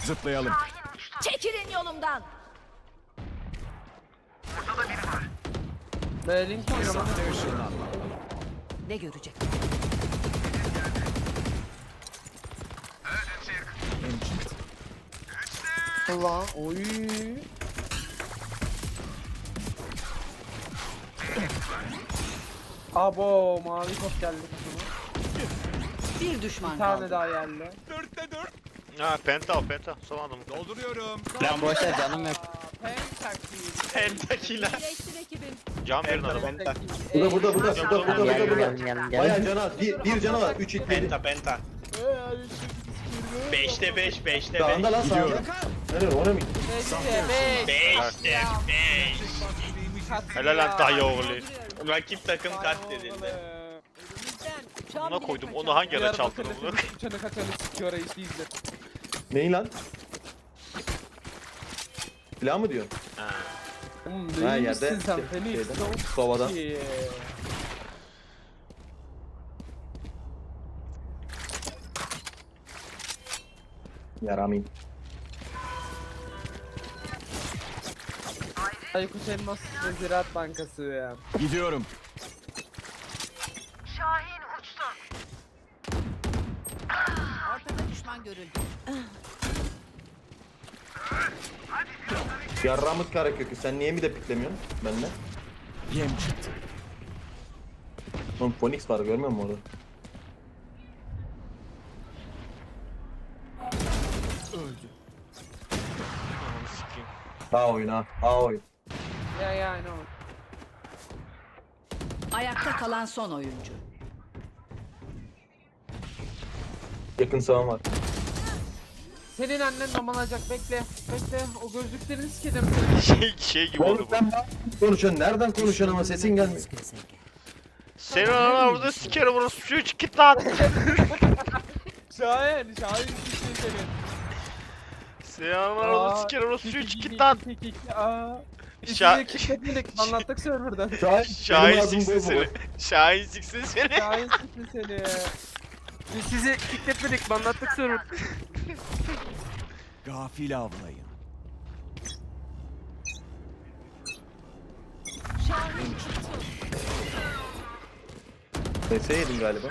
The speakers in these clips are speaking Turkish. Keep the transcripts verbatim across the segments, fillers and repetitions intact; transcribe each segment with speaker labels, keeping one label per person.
Speaker 1: Zıplayalım.
Speaker 2: Çekilin yolumdan.
Speaker 3: Link oynamak.
Speaker 1: Sahte ışınlanma.
Speaker 2: Ne görecek?
Speaker 1: Ancient.
Speaker 3: Allah. Oy. Abo mavi top geldi kızıma.
Speaker 2: Bir düşman
Speaker 3: Bir tane
Speaker 2: kaldı.
Speaker 3: daha geldi.
Speaker 1: Dörtte dört.
Speaker 4: Ha penta al penta. Son adamı.
Speaker 1: Dolduruyorum.
Speaker 5: Lan boş ver canım yok.
Speaker 3: Aa, Pentakill.
Speaker 4: Pentakiler.
Speaker 2: İyileştir ekibim.
Speaker 4: Can verin adama.
Speaker 5: Penta.
Speaker 6: Burada burada burada
Speaker 4: Gel,
Speaker 6: burada burada
Speaker 5: Gel
Speaker 6: burada
Speaker 5: gel
Speaker 6: burada.
Speaker 5: gel
Speaker 6: Bayağı
Speaker 5: gel.
Speaker 6: canı az. Bir, bir canı var. Üç it yedi.
Speaker 5: Penta penta. beşte beş, beşte beş.
Speaker 6: Sağında lan sağında.
Speaker 1: Gidiyorum.
Speaker 6: Nereye ona mı gitti?
Speaker 3: beş.
Speaker 5: beşte beş.
Speaker 4: Helal lan dayı oğlu.
Speaker 5: Rakip takım katledildi.
Speaker 4: Buna koydum. Onu hangi ara çaldın onu?
Speaker 3: Uçanı kaçanı sikiyor reis izle.
Speaker 6: Neyi lan? Silah mı diyorsun?
Speaker 4: Ha.
Speaker 3: Oğlum
Speaker 6: Ha,
Speaker 3: neymişsin
Speaker 6: yerde,
Speaker 3: sen
Speaker 6: şey-
Speaker 3: Felix?
Speaker 6: şeyde,
Speaker 3: Çok
Speaker 6: Sova'da.
Speaker 3: iyi.
Speaker 6: Yaramayın.
Speaker 3: Aykut Elmas ve Ziraat Bankası ya.
Speaker 1: Gidiyorum.
Speaker 2: Ortada düşman görüldü.
Speaker 6: Yarramık kara kökü. Sen niye mi de piklemiyorsun benimle?
Speaker 1: Yem çıktı.
Speaker 6: Oğlum Phoenix var görmüyor musun orada?
Speaker 1: Öldü.
Speaker 4: Ananı sikeyim.
Speaker 6: Ha oyun ha. Ha oyun.
Speaker 3: Ya ya I know.
Speaker 2: Ayakta kalan son oyuncu.
Speaker 6: Yakın sağım var.
Speaker 3: Senin annen domalacak bekle. Bekle o gözlüklerini sikedim.
Speaker 4: Şey, şey gibi oldu
Speaker 6: Oğlum
Speaker 4: bu.
Speaker 6: sen konuşuyorsun. Nereden konuşuyorsun ama sesin gelmiyor.
Speaker 4: Senin anan orada sikerim orası suyu git lan.
Speaker 3: Şahin, Şahin siktin seni.
Speaker 4: Senin anan orada
Speaker 3: Aa,
Speaker 4: sikerim orası suyu
Speaker 3: iki, iki,
Speaker 4: git lan.
Speaker 3: iki, iki, iki, aa.
Speaker 4: Şa-
Speaker 3: Şa kilitledik, anlattık serverdan.
Speaker 6: Şahin,
Speaker 4: Şahin
Speaker 6: benim ağzım
Speaker 4: siksin
Speaker 6: bol
Speaker 4: seni.
Speaker 6: bol.
Speaker 4: Şahin siksin seni.
Speaker 3: Şahin siktin seni. Biz sizi kilitledik, anlattık server.
Speaker 1: Gafil avlayın.
Speaker 6: N S yedim galiba.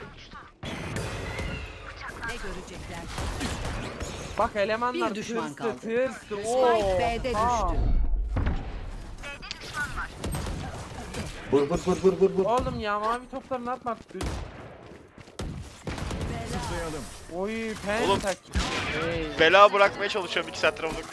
Speaker 2: Ne görecekler?
Speaker 3: Bak elemanlar
Speaker 2: Bir düşman
Speaker 3: tırstı,
Speaker 2: kaldı.
Speaker 3: tırstı.
Speaker 2: Spike B'de
Speaker 3: Aa.
Speaker 2: düştü.
Speaker 6: Vur vur vur vur vur vur.
Speaker 3: Oğlum ya mavi toplarını atma artık.
Speaker 1: Zıplayalım.
Speaker 3: Oy
Speaker 4: Oğlum.
Speaker 3: pentak. Hey.
Speaker 4: Bela bırakmaya çalışıyorum iki saattir amına.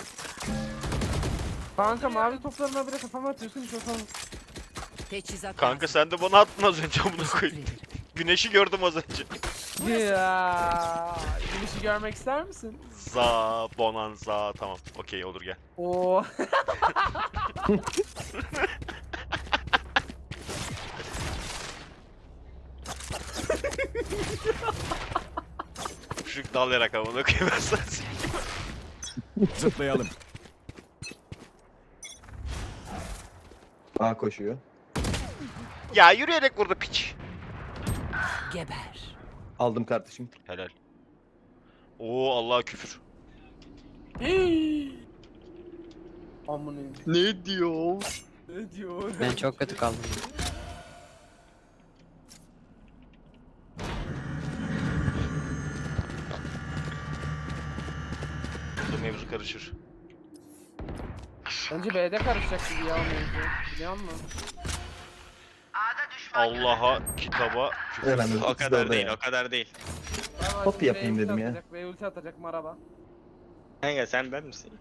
Speaker 3: Kanka mavi toplarına bile kafama atıyorsun çok olmuş.
Speaker 2: Teçhizat
Speaker 4: Kanka
Speaker 2: lazım.
Speaker 4: sen de bana attın az önce amına koyayım.
Speaker 2: Teşekkür ederim.
Speaker 4: Güneşi gördüm az önce.
Speaker 3: Ya, güneşi görmek ister misin?
Speaker 4: Za, bonanza tamam. Okey olur gel.
Speaker 3: Oo.
Speaker 4: Küçük dalayarak amına koyayım ben sana.
Speaker 1: Zıplayalım.
Speaker 6: A koşuyor.
Speaker 4: Ya yürüyerek vurdu piç.
Speaker 2: Geber.
Speaker 6: Aldım kardeşim.
Speaker 4: Helal. Oo Allah küfür.
Speaker 3: Amına.
Speaker 4: Ne diyor?
Speaker 3: Ne diyor?
Speaker 5: Ben çok kötü kaldım.
Speaker 4: Burada mevzu karışır.
Speaker 3: Bence B'de karışacak gibi ya mevzu. Biliyor musun?
Speaker 4: Allah'a, kitaba, küfür.
Speaker 6: Hemen
Speaker 5: O
Speaker 6: ikisi de
Speaker 5: kadar
Speaker 6: orada
Speaker 5: değil,
Speaker 6: ya.
Speaker 5: o kadar değil.
Speaker 3: Tamam,
Speaker 6: Hop
Speaker 3: şimdi
Speaker 6: yapayım
Speaker 3: B ulti
Speaker 6: dedim ya.
Speaker 3: atacak, B ulti atacak maraba.
Speaker 5: Kanka sen ben misin?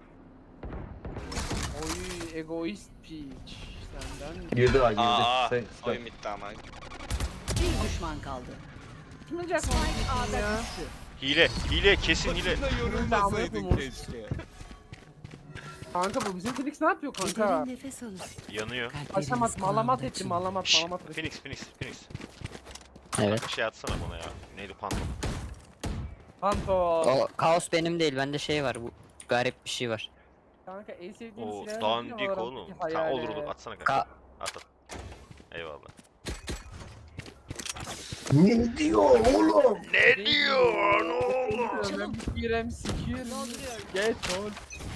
Speaker 3: Oy egoist piç. Senden.
Speaker 6: Girdi A girdi.
Speaker 5: Aa,
Speaker 6: Sen,
Speaker 5: oyun bitti ama.
Speaker 2: Bir düşman kaldı.
Speaker 3: Kimin cak
Speaker 2: Spike A'da
Speaker 3: ya?
Speaker 2: düştü.
Speaker 4: Hile, hile, kesin hile.
Speaker 1: Başında yorulmasaydın keşke.
Speaker 3: Kanka bu bizim Felix ne yapıyor kanka?
Speaker 2: Derin nefes alın.
Speaker 4: Yanıyor.
Speaker 3: Aşamat malamat ettim malamat
Speaker 4: Şşş,
Speaker 3: malamat ettim.
Speaker 4: Phoenix, Phoenix, Phoenix.
Speaker 5: Evet.
Speaker 4: Bir şey atsana bana ya. Neydi pantolon?
Speaker 3: Panto.
Speaker 5: O kaos benim değil, bende şey var, bu garip bir şey var.
Speaker 3: Kanka en sevdiğim
Speaker 4: O
Speaker 3: silah
Speaker 4: dandik oğlum. Tamam olur olur atsana kanka.
Speaker 5: Ka
Speaker 4: At at. Eyvallah.
Speaker 6: Ne diyor oğlum?
Speaker 4: Ne diyorsun oğlum?
Speaker 3: Ben sikirem sikirim. Geç ol.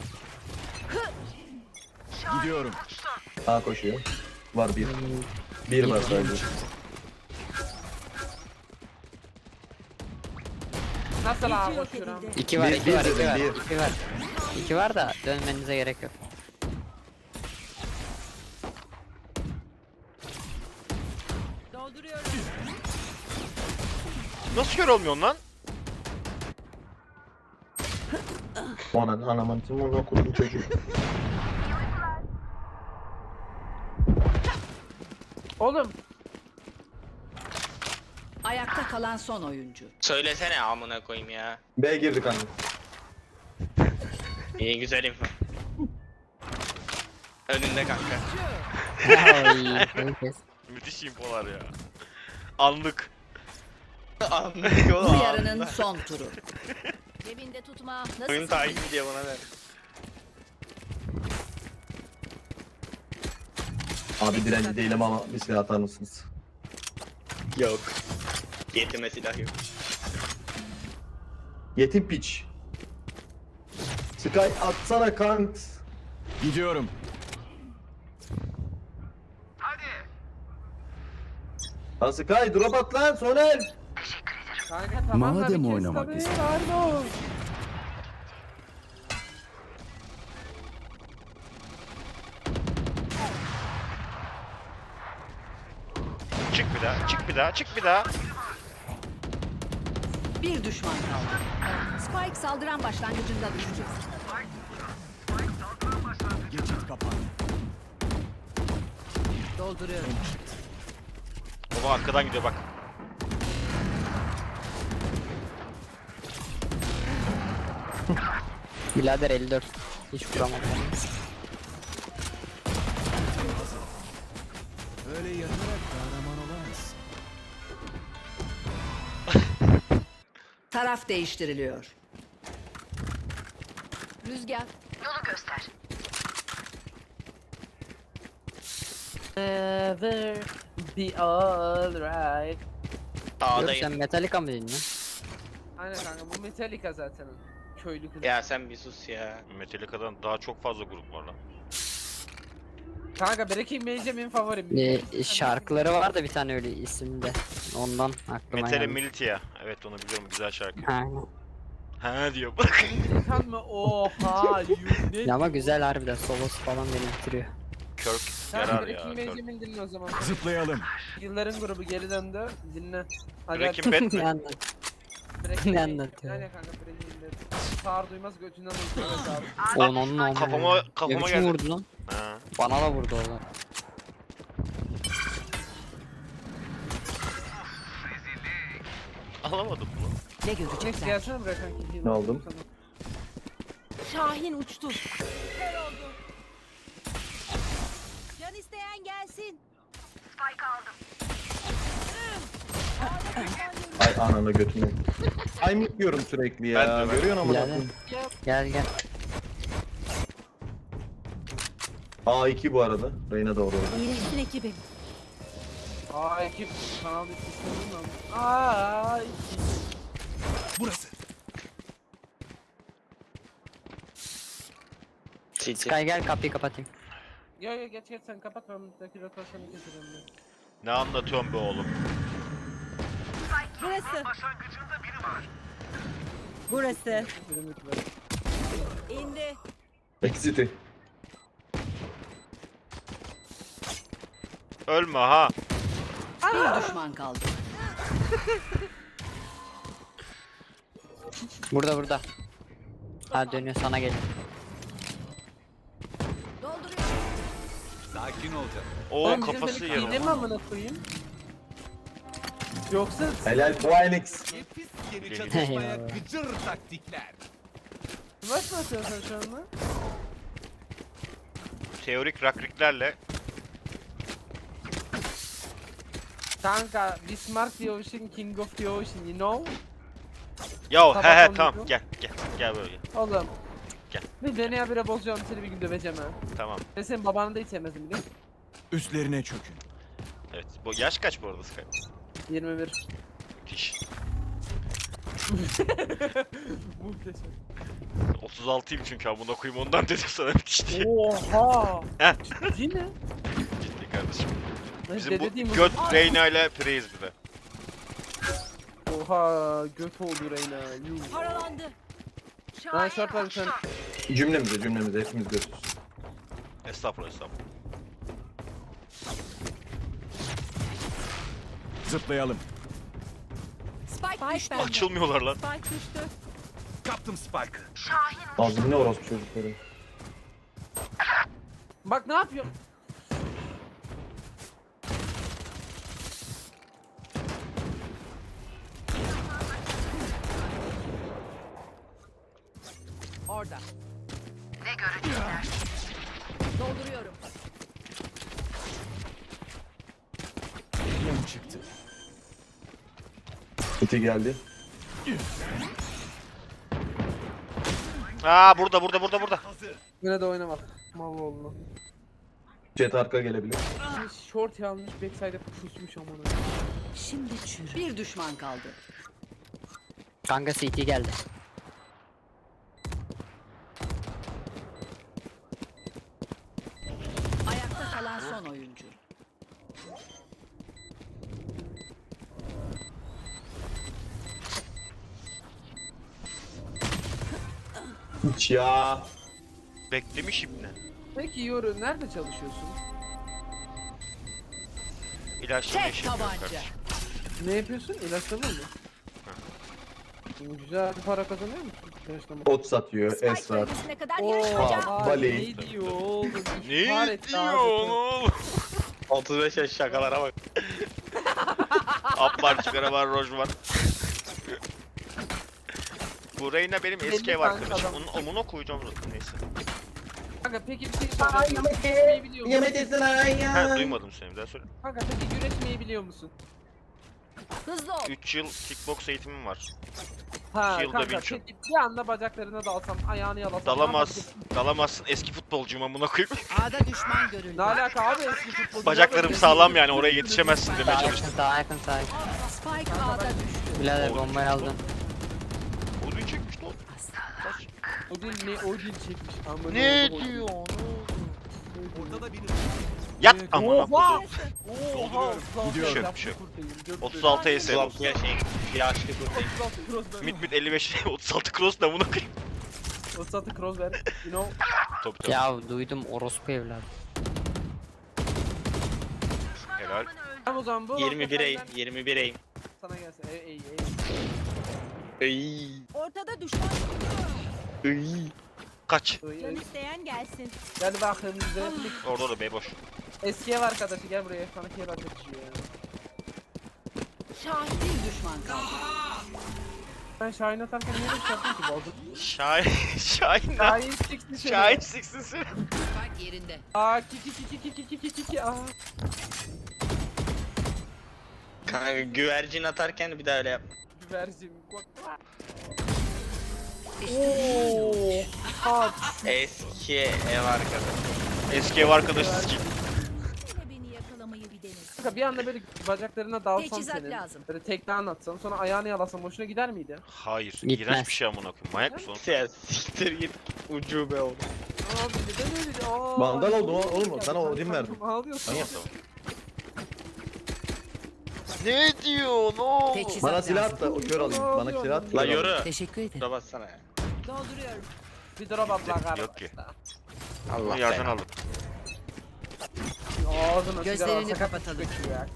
Speaker 1: Gidiyorum.
Speaker 6: A koşuyor. Var bir. Bir var sadece.
Speaker 3: Nasıl ağa koşuyorum?
Speaker 5: İki var,
Speaker 6: Bir-
Speaker 5: iki
Speaker 6: bir
Speaker 5: var, iki
Speaker 6: dedim,
Speaker 5: var,
Speaker 6: bir.
Speaker 5: iki var. İki var da dönmenize gerek yok.
Speaker 2: Dolduruyorum.
Speaker 4: Nasıl kör olmuyorsun lan?
Speaker 6: Anan anamın tüm onu okudum çocuk.
Speaker 3: Oğlum.
Speaker 2: Ayakta kalan son oyuncu.
Speaker 7: Söylesene amına koyayım ya.
Speaker 6: B girdik anne.
Speaker 7: İyi güzel info. Önünde kanka.
Speaker 5: Ay, herkes.
Speaker 4: Müthiş infolar ya. Anlık.
Speaker 7: Anlıyor
Speaker 2: Bu
Speaker 7: oğlum.
Speaker 2: yarının son turu. Cebinde tutma. Nasıl
Speaker 7: Oyun takip ediyor bana ver.
Speaker 6: Abi direnci değilim ama bir silah atar mısınız?
Speaker 7: Yok. Yetime silah yok.
Speaker 6: Yetim piç. Sky atsana kant.
Speaker 1: Gidiyorum.
Speaker 6: Lan Sky drop at lan Soner.
Speaker 3: Kanka tamam da
Speaker 1: Madem
Speaker 3: bir kes
Speaker 1: oynamak
Speaker 3: tabii,
Speaker 1: istiyorsun.
Speaker 3: pardon.
Speaker 4: Çık bir daha, çık bir daha, çık bir daha.
Speaker 2: Bir düşman kaldı. Spike saldıran başlangıcında düşecek.
Speaker 1: Geçit kapandı.
Speaker 2: Dolduruyorum.
Speaker 4: Baba arkadan gidiyor bak.
Speaker 5: Birader elli dört. Hiç vuramadım.
Speaker 1: Öyle yatarak kahraman olamazsın.
Speaker 2: Taraf değiştiriliyor. Rüzgar.
Speaker 3: Never be alright.
Speaker 5: Yok
Speaker 7: A'dayım.
Speaker 5: sen Metallica mı dinliyorsun?
Speaker 3: Aynen kanka bu Metallica zaten. Köylü kız.
Speaker 7: Ya sen bir sus ya.
Speaker 4: Metallica'dan daha çok fazla grup var lan.
Speaker 3: Kanka Breaking Bad'im en favorim.
Speaker 5: Bir şarkıları var da bir tane öyle isimde. Ondan aklıma
Speaker 4: Metale
Speaker 5: geldi.
Speaker 4: Militia. Evet onu biliyorum, güzel şarkı.
Speaker 5: Aynen.
Speaker 4: Ha diyor bak.
Speaker 3: Kan mı? Oha yuh ne?
Speaker 5: Ya ama güzel harbiden solosu falan beni bitiriyor.
Speaker 4: Kirk
Speaker 3: Kanka
Speaker 4: yarar ya.
Speaker 3: Breaking
Speaker 4: Kirk.
Speaker 3: Bad'imi dinle o zaman.
Speaker 1: Zıplayalım.
Speaker 3: Yılların grubu geri döndü. Dinle. Hadi
Speaker 4: Breaking Bad
Speaker 5: Ne
Speaker 4: mi?
Speaker 5: anlat?
Speaker 3: Breaking
Speaker 5: ne
Speaker 3: Bad.
Speaker 5: anlatıyor?
Speaker 3: Aynen kanka Breaking Bad. Sağır duymaz götünden uyuşturuyor abi.
Speaker 5: Onun onun.
Speaker 4: Kafama,
Speaker 5: Ne
Speaker 4: kafama
Speaker 5: biçim
Speaker 4: geldi.
Speaker 5: vurdu lan?
Speaker 4: Ha.
Speaker 5: Bana da vurdu oğlum.
Speaker 4: Alamadım bunu.
Speaker 2: Ne
Speaker 3: Next
Speaker 2: görecekler?
Speaker 3: gelsene buraya kanki.
Speaker 6: Ne oldu?
Speaker 2: Şahin uçtu. Can isteyen gelsin.
Speaker 6: Ay ananı götünü. Ay diyorum sürekli ya.
Speaker 4: Ben de, ben de.
Speaker 6: Görüyorsun ama.
Speaker 5: Birader. Gel gel.
Speaker 6: A iki bu arada. Reyna da orada.
Speaker 2: İyileşsin ekibim.
Speaker 3: Aa ekip kanal istemem lan. Aa ekip.
Speaker 1: Burası.
Speaker 7: City.
Speaker 5: Sky gel kapıyı kapatayım.
Speaker 3: Yo yo geç geç sen kapat ben buradaki rotasyonu geçireyim ben.
Speaker 4: Ne anlatıyorsun be oğlum?
Speaker 2: Burası. Burası.
Speaker 3: Birim lütfen.
Speaker 2: İndi.
Speaker 6: Exit'i.
Speaker 4: Ölme ha.
Speaker 2: Bir düşman kaldı.
Speaker 5: Burada burada. Ha dönüyor sana geliyor.
Speaker 2: Dolduruyorum.
Speaker 1: Sakin ol canım.
Speaker 4: Oo
Speaker 3: Oğlum,
Speaker 4: kafası
Speaker 3: bizim böyle iğne mi
Speaker 4: yarım.
Speaker 3: amına koyayım? Yoksa
Speaker 6: Helal Phoenix.
Speaker 1: Nefis yeni
Speaker 4: Eyvallah.
Speaker 1: çatışmaya gıcır taktikler.
Speaker 3: smash mı atıyorsun sen şu anda?
Speaker 4: Teorik rakriklerle
Speaker 3: Kanka Bismarck the Ocean, King of the Ocean, you know?
Speaker 4: Ya
Speaker 3: Sabah
Speaker 4: he he
Speaker 3: on
Speaker 4: tamam
Speaker 3: dokuz.
Speaker 4: gel gel gel böyle gel.
Speaker 3: Oğlum.
Speaker 4: Gel.
Speaker 3: Bir beni habire bozacağım seni bir gün döveceğim ha.
Speaker 4: Tamam.
Speaker 3: Ben senin babanı da hiç sevmezdim biliyor musun?
Speaker 1: Üstlerine çökün.
Speaker 4: Evet. Bu yaş kaç bu arada Sky?
Speaker 3: yirmi bir.
Speaker 4: Müthiş.
Speaker 3: Muhteşem.
Speaker 4: otuz altıyım çünkü amına koyayım ondan dedim sana bir kişi.
Speaker 3: Oha.
Speaker 4: Heh.
Speaker 3: Ciddi mi?
Speaker 4: Ciddi kardeşim.
Speaker 3: Ben
Speaker 4: Bizim
Speaker 3: de
Speaker 4: bu
Speaker 3: dediğim-
Speaker 4: göt Reyna ile Praise bir de.
Speaker 3: Oha göt oldu Reyna. Yuh.
Speaker 2: Paralandı.
Speaker 3: Ben şart var bir tane.
Speaker 6: Cümlemize cümlemize hepimiz götürsün.
Speaker 4: Estağfurullah estağfurullah.
Speaker 1: Zıplayalım.
Speaker 2: Spike, düştü.
Speaker 4: Açılmıyorlar lan.
Speaker 2: Spike düştü.
Speaker 1: Kaptım Spike'ı.
Speaker 6: Ağzım ne orospu çocukları.
Speaker 3: Bak ne yapıyor?
Speaker 2: Orada. Ne görecekler? Dolduruyorum.
Speaker 1: Yem çıktı.
Speaker 6: Kötü geldi.
Speaker 4: Aa burada burada burada burada.
Speaker 3: Yine de oynamak. Mal oldu.
Speaker 6: Jet arka gelebilir.
Speaker 3: Short yanlış backside'e pusmuş amına.
Speaker 2: Şimdi çürü. Bir düşman kaldı.
Speaker 5: Kanka C T geldi.
Speaker 2: Ayakta kalan son oyuncu.
Speaker 6: Hiç ya.
Speaker 4: Beklemiş ibne.
Speaker 3: Peki Yoru nerede çalışıyorsun?
Speaker 4: İlaçlama
Speaker 2: Tek
Speaker 4: işi yapıyorum
Speaker 2: tabanca.
Speaker 4: kardeşim.
Speaker 3: Ne yapıyorsun? İlaçlama mı? Güzel para kazanıyor musun? İlaçlama.
Speaker 6: Ot satıyor.
Speaker 2: Spike
Speaker 6: Es var.
Speaker 2: bölgesine kadar
Speaker 3: Oo,
Speaker 2: yarışacağım.
Speaker 6: Aa,
Speaker 3: ay,
Speaker 6: Bali.
Speaker 3: ne diyor oğlum?
Speaker 4: Ne
Speaker 3: İhbar etti
Speaker 4: diyor
Speaker 3: abi.
Speaker 4: oğlum?
Speaker 7: otuz beş yaş şakalara bak.
Speaker 4: Up var, çıkara var, roj var. Bu Reyna benim eski ev
Speaker 3: Belli
Speaker 4: arkadaşım.
Speaker 3: kanka
Speaker 4: Onun omuna koyacağım zaten neyse.
Speaker 3: Kanka peki bir şey soracağım. Güreşmeyi biliyor musun?
Speaker 4: Ha duymadım seni bir daha söyle.
Speaker 3: Kanka peki güreşmeyi biliyor musun?
Speaker 2: Hızlı ol.
Speaker 4: üç yıl kickbox eğitimim var.
Speaker 3: Ha
Speaker 4: İki yılda
Speaker 3: kanka
Speaker 4: bin çıl.
Speaker 3: peki bir anda bacaklarına dalsam, ayağını yalasam.
Speaker 4: Dalamaz, dalamazsın eski futbolcuyum amına koyayım.
Speaker 2: A'da düşman görüldü.
Speaker 3: Ne alaka abi eski futbolcu?
Speaker 4: Bacaklarım sağlam yani oraya yetişemezsin demeye
Speaker 5: Sağa
Speaker 4: çalıştım.
Speaker 5: yakın, sağa yakın, sağa yakın.
Speaker 2: Spike A'da düştü.
Speaker 5: Birader
Speaker 4: Oğlum,
Speaker 5: bombayı aldın.
Speaker 4: Odun çekmiş lan.
Speaker 3: O değil ne o değil çekmiş. Amına
Speaker 4: Ne
Speaker 3: koyayım.
Speaker 4: diyor?
Speaker 1: Ortada biri.
Speaker 4: Yat amına
Speaker 3: Oha!
Speaker 4: koyayım.
Speaker 3: Oha!
Speaker 1: Gidiyorum.
Speaker 4: Bir şey yok, bir şey yok.
Speaker 3: Dört-
Speaker 4: otuz altı E S
Speaker 7: Ulan
Speaker 4: olsun.
Speaker 7: ya şey yaşlı kurtayım.
Speaker 3: otuz altı cross ver.
Speaker 4: Mid mid elli beş otuz altı cross da amına koyayım.
Speaker 3: otuz altı cross ver. You know.
Speaker 4: Tabii tabii.
Speaker 5: Ya duydum orospu evladı.
Speaker 4: Helal.
Speaker 3: Tamam o zaman bu.
Speaker 7: yirmi bir eğim,
Speaker 3: senden
Speaker 7: yirmi bir eğim.
Speaker 3: Sana gelsin. Ey ey ey.
Speaker 7: Iy,
Speaker 2: Ortada düşman.
Speaker 7: iy.
Speaker 4: Kaç.
Speaker 3: ey,
Speaker 2: Can
Speaker 3: ey.
Speaker 2: isteyen gelsin.
Speaker 3: Gel bakayım bize.
Speaker 4: Orada da B boş.
Speaker 3: Eski ev arkadaşı gel buraya. Sana ev arkadaşı ya.
Speaker 2: Şahin bir düşman kaldı.
Speaker 3: Ben Şahin atarken niye böyle şey yaptın ki bozdum?
Speaker 4: Şahin, Şahin lan.
Speaker 3: Şahin siksin seni.
Speaker 4: Şahin siksin seni.
Speaker 2: Spike yerinde.
Speaker 3: Aa kiki kiki kiki kiki kiki aa.
Speaker 7: Kanka güvercin atarken bir daha öyle yap.
Speaker 3: Güvercin. Bak. Ooo. Hat.
Speaker 7: Eski ev arkadaşı.
Speaker 4: Eski ev arkadaşı sikim.
Speaker 2: Yine beni yakalamayı bir denesin.
Speaker 3: Kanka bir anda böyle bacaklarına dalsam
Speaker 2: Teçhizat
Speaker 3: senin.
Speaker 2: lazım.
Speaker 3: Böyle tekne anlatsam sonra ayağını yalasam hoşuna gider miydi?
Speaker 4: Hayır.
Speaker 5: Gitmez.
Speaker 4: İğrenç bir şey amına koyayım. Manyak mısın oğlum?
Speaker 7: Ya siktir git ucube oldu.
Speaker 3: Abi neden öyle? Aa,
Speaker 6: Vandal oldu o- oğlum,
Speaker 3: ya,
Speaker 6: sana
Speaker 3: sen
Speaker 6: Odin verdim.
Speaker 3: kankam Ağlıyorsun.
Speaker 6: Manyak.
Speaker 4: Ne diyor? Ne oldu?
Speaker 2: Teçhizat
Speaker 6: Bana silah
Speaker 2: lazım.
Speaker 6: at da o kör alayım. Bana silah at.
Speaker 7: La
Speaker 6: kör alayım.
Speaker 7: yoru.
Speaker 2: Teşekkür ederim.
Speaker 7: Şuna bassana ya.
Speaker 2: Dolduruyorum.
Speaker 3: Bir drop at lan kardeş.
Speaker 4: Yok ki.
Speaker 7: Allah
Speaker 4: Bunu yerden
Speaker 7: belanı.
Speaker 4: aldım.
Speaker 3: Ağzına
Speaker 2: Gözlerini
Speaker 3: sigara alsak
Speaker 2: kapatalım.
Speaker 3: kaçıyor ya.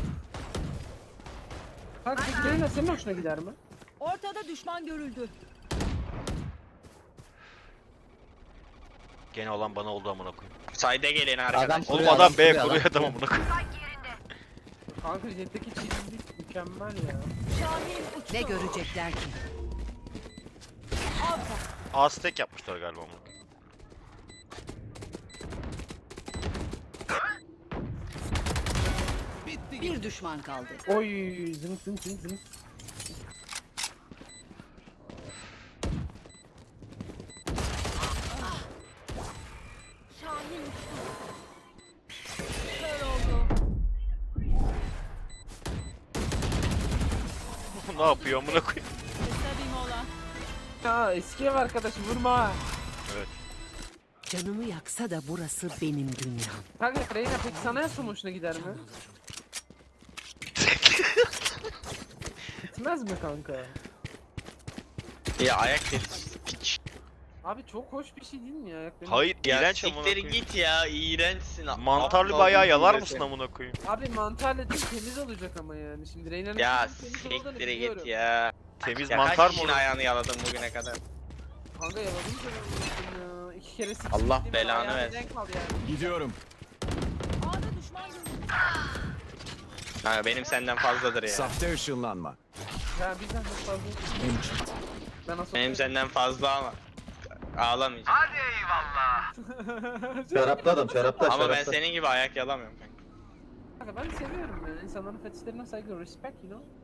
Speaker 3: Kanka peki benimle senin hoşuna gider mi?
Speaker 2: Ortada düşman görüldü.
Speaker 4: Gene olan bana oldu amına koyayım.
Speaker 7: Sayda gelin arkadaş.
Speaker 5: Adam
Speaker 4: Oğlum
Speaker 5: Kuruyor,
Speaker 4: adam
Speaker 5: adam
Speaker 4: B
Speaker 5: kuruyor,
Speaker 4: kuruyor
Speaker 5: adam
Speaker 4: adam amına koyayım.
Speaker 3: Kanka jetteki çizgilik mükemmel ya.
Speaker 2: Şahin uçtu. Ne görecekler ki?
Speaker 4: A-stack yapmışlar galiba amına koyayım.
Speaker 2: Bir düşman kaldı.
Speaker 3: Oy zınk zınk zınk zınk.
Speaker 2: Şahin uçtu. Kör oldu.
Speaker 4: Ne yapıyor amına koyayım?
Speaker 3: Ya eski ev arkadaşı vurma.
Speaker 2: Canımı yaksa da burası benim dünyam.
Speaker 3: Kanka Reyna peki sana en hoşuna gider mi? Gitmez mi kanka?
Speaker 7: Ya ayak delisi piç.
Speaker 3: Abi çok hoş bir şey değil mi ya? Ayak benim-
Speaker 4: Hayır
Speaker 7: Ya
Speaker 4: iğrenç amına
Speaker 7: siktir
Speaker 4: koyayım.
Speaker 7: git ya iğrençsin.
Speaker 4: Mantarlı
Speaker 7: Aptal
Speaker 4: bir ayağı
Speaker 7: bir
Speaker 4: yalar
Speaker 7: cümlesi.
Speaker 4: mısın amına koyayım?
Speaker 3: Abi mantarla değil temiz olacak ama yani. Şimdi Reyna'nın
Speaker 7: Ya
Speaker 3: temiz olduğunu
Speaker 7: siktir
Speaker 3: biliyorum.
Speaker 7: git ya.
Speaker 4: Temiz
Speaker 7: Ya
Speaker 4: mantar
Speaker 7: kaç
Speaker 4: mı
Speaker 7: kişinin
Speaker 4: olur?
Speaker 7: ayağını yaladım bugüne kadar.
Speaker 3: Kanka yaladım seni ya. İki kere siktim.
Speaker 7: Allah
Speaker 3: değil mi?
Speaker 7: belanı
Speaker 3: Ayağına
Speaker 7: versin.
Speaker 3: denk al yani.
Speaker 1: Gidiyorum.
Speaker 7: Ha, benim senden fazladır ya.
Speaker 1: Sahte ışınlanma.
Speaker 3: Ya bizden çok fazla.
Speaker 1: Benim çıktı.
Speaker 3: Ben asıl.
Speaker 7: Benim senden fazla ama. Ağlamayacağım.
Speaker 6: Şarapta adam şarapta
Speaker 7: Ama ben
Speaker 6: şarapta.
Speaker 7: senin gibi ayak yalamıyorum kanka.
Speaker 3: Kanka ben seviyorum yani. İnsanların fetişlerine saygı, respect you know.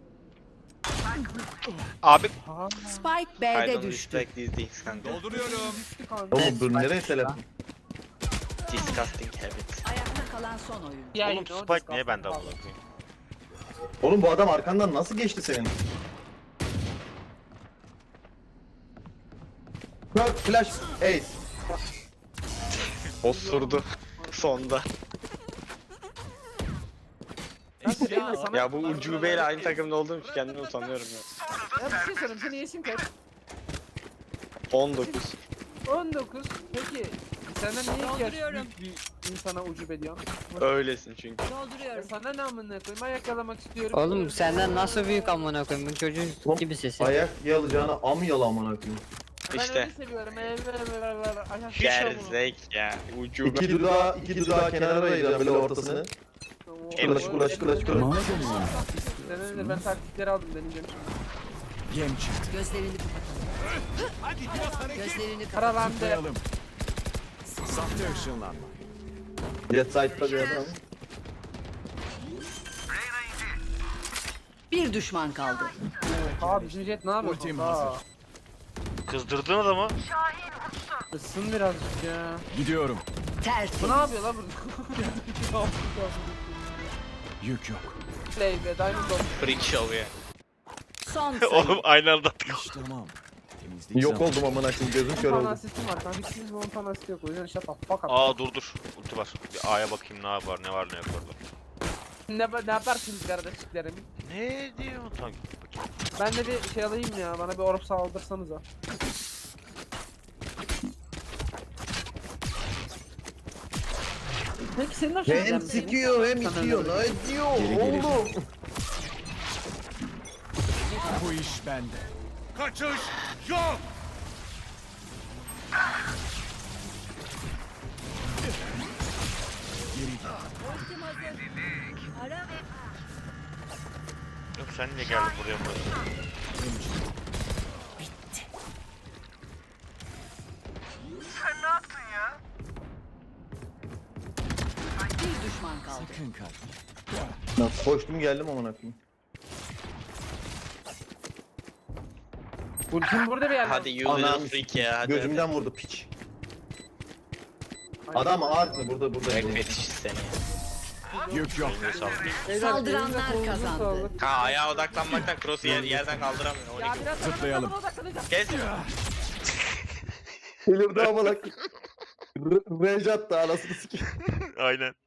Speaker 4: Abi
Speaker 3: Ha.
Speaker 2: Spike
Speaker 7: I
Speaker 2: B'de
Speaker 7: don't
Speaker 2: düştü.
Speaker 7: respect these things kanka.
Speaker 1: Dolduruyorum.
Speaker 3: Kanka.
Speaker 6: Oğlum bu nereye telefon?
Speaker 7: Disgusting habit.
Speaker 2: Ayakta kalan son oyun.
Speaker 3: Ya,
Speaker 4: oğlum
Speaker 3: you know,
Speaker 4: Spike
Speaker 3: disgusting
Speaker 4: niye bende
Speaker 3: abi.
Speaker 4: amına koyayım?
Speaker 6: Oğlum bu adam arkandan nasıl geçti senin? Bak flash ace.
Speaker 7: Osurdu. Sonda.
Speaker 3: Kanka Reyna sana...
Speaker 7: Ya bu ucubeyle aynı takımda olduğum için kendime utanıyorum ya.
Speaker 3: Ya bir şey söyleyeyim. Senin yaşın kaç?
Speaker 7: on dokuz.
Speaker 3: on dokuz. Peki senden niye ihtiyaç
Speaker 2: Dolduruyorum.
Speaker 3: büyük bir insana ucub ediyorsun?
Speaker 7: Öylesin çünkü.
Speaker 3: Ya
Speaker 2: Dolduruyorum.
Speaker 3: sana ne amına koyayım? Ayak yalamak istiyorum.
Speaker 5: Oğlum senden nasıl büyük amına koyayım bu çocuğun
Speaker 6: Oğlum,
Speaker 5: gibi sesi.
Speaker 6: Ayak yalacağına am yala amına koyayım.
Speaker 3: Ben
Speaker 7: İşte.
Speaker 3: öyle seviyorum. Evet evet evet evet. Ayak
Speaker 4: Hiç
Speaker 7: Gerzek ya. Ucube.
Speaker 6: İki dudağı, iki dudağı kenara ayıracağım böyle ortasını. Kulaş kulaş kulaş kulaş.
Speaker 3: Senin de ben taktikleri aldım deneyeceğim şimdi.
Speaker 1: Yem çıktı.
Speaker 2: Gözlerini kapat.
Speaker 1: Hadi biraz hareket.
Speaker 2: Gözlerini kapat.
Speaker 3: Karalandı.
Speaker 1: Zıplayalım. Sahte ışınlanma.
Speaker 6: Jet side'da bir adam.
Speaker 2: Bir düşman kaldı.
Speaker 3: Abi bizim jet ne yapıyor?
Speaker 1: Ultim
Speaker 3: Aa,
Speaker 1: hazır.
Speaker 4: Kızdırdın adamı.
Speaker 3: Isın birazcık ya.
Speaker 1: Gidiyorum.
Speaker 2: Tertemiz.
Speaker 3: Bu ne yapıyor lan burada?
Speaker 1: Yük yok.
Speaker 3: Play be Diamond Dog.
Speaker 7: Freak show ya.
Speaker 2: Son sayı.
Speaker 4: Oğlum aynı anda attık.
Speaker 1: İş tamam. Temizlik
Speaker 6: Yok
Speaker 1: zamanı.
Speaker 6: oldum amına koyayım gözüm kör
Speaker 3: on tane
Speaker 6: oldu.
Speaker 3: asistim var kanka. Hiçbirinin on tane asisti yok. O yüzden shut the fuck up.
Speaker 4: Aa dur dur. Ulti var. Bir A'ya bakayım ne var ne var ne yok orada.
Speaker 3: Ne, ne yaparsınız kardeşliklerim?
Speaker 4: Ne diyor tam?
Speaker 3: Ben de bir şey alayım ya. Bana bir orb saldırsanıza. Peki senin hoşuna gider
Speaker 6: Hem
Speaker 3: mi?
Speaker 6: sikiyor hem itiyor. Ne diyor
Speaker 1: Geri geri.
Speaker 6: oğlum?
Speaker 1: Bu iş bende. Kaçış yok. Geri gel.
Speaker 4: Yok sen niye geldin buraya buraya?
Speaker 1: Benim çıktı.
Speaker 2: Bir düşman kaldı.
Speaker 1: Sakın kaçma.
Speaker 6: Lan koştum geldim amına koyayım.
Speaker 3: Ultim burada bir yerde.
Speaker 7: Hadi you
Speaker 6: Anam
Speaker 7: little freak ya. Hadi.
Speaker 6: Gözümden vurdu piç. Adam ağır mı burada burada.
Speaker 7: Ayak fetişi seni.
Speaker 1: Yük yok.
Speaker 4: Eline sağlık.
Speaker 3: Beyler,
Speaker 2: Saldıranlar
Speaker 3: elinize kolunuza
Speaker 2: kazandı.
Speaker 3: sağlık.
Speaker 7: Ha ayağa odaklanmaktan cross'u yer, yerden kaldıramıyor. on
Speaker 3: Ya
Speaker 7: iki.
Speaker 3: biraz sonra
Speaker 1: Zıplayalım.
Speaker 3: ben odaklanacağım.
Speaker 7: Kes.
Speaker 6: Delirdi amına koyayım. Rage attı anasını sikeyim.
Speaker 4: Aynen.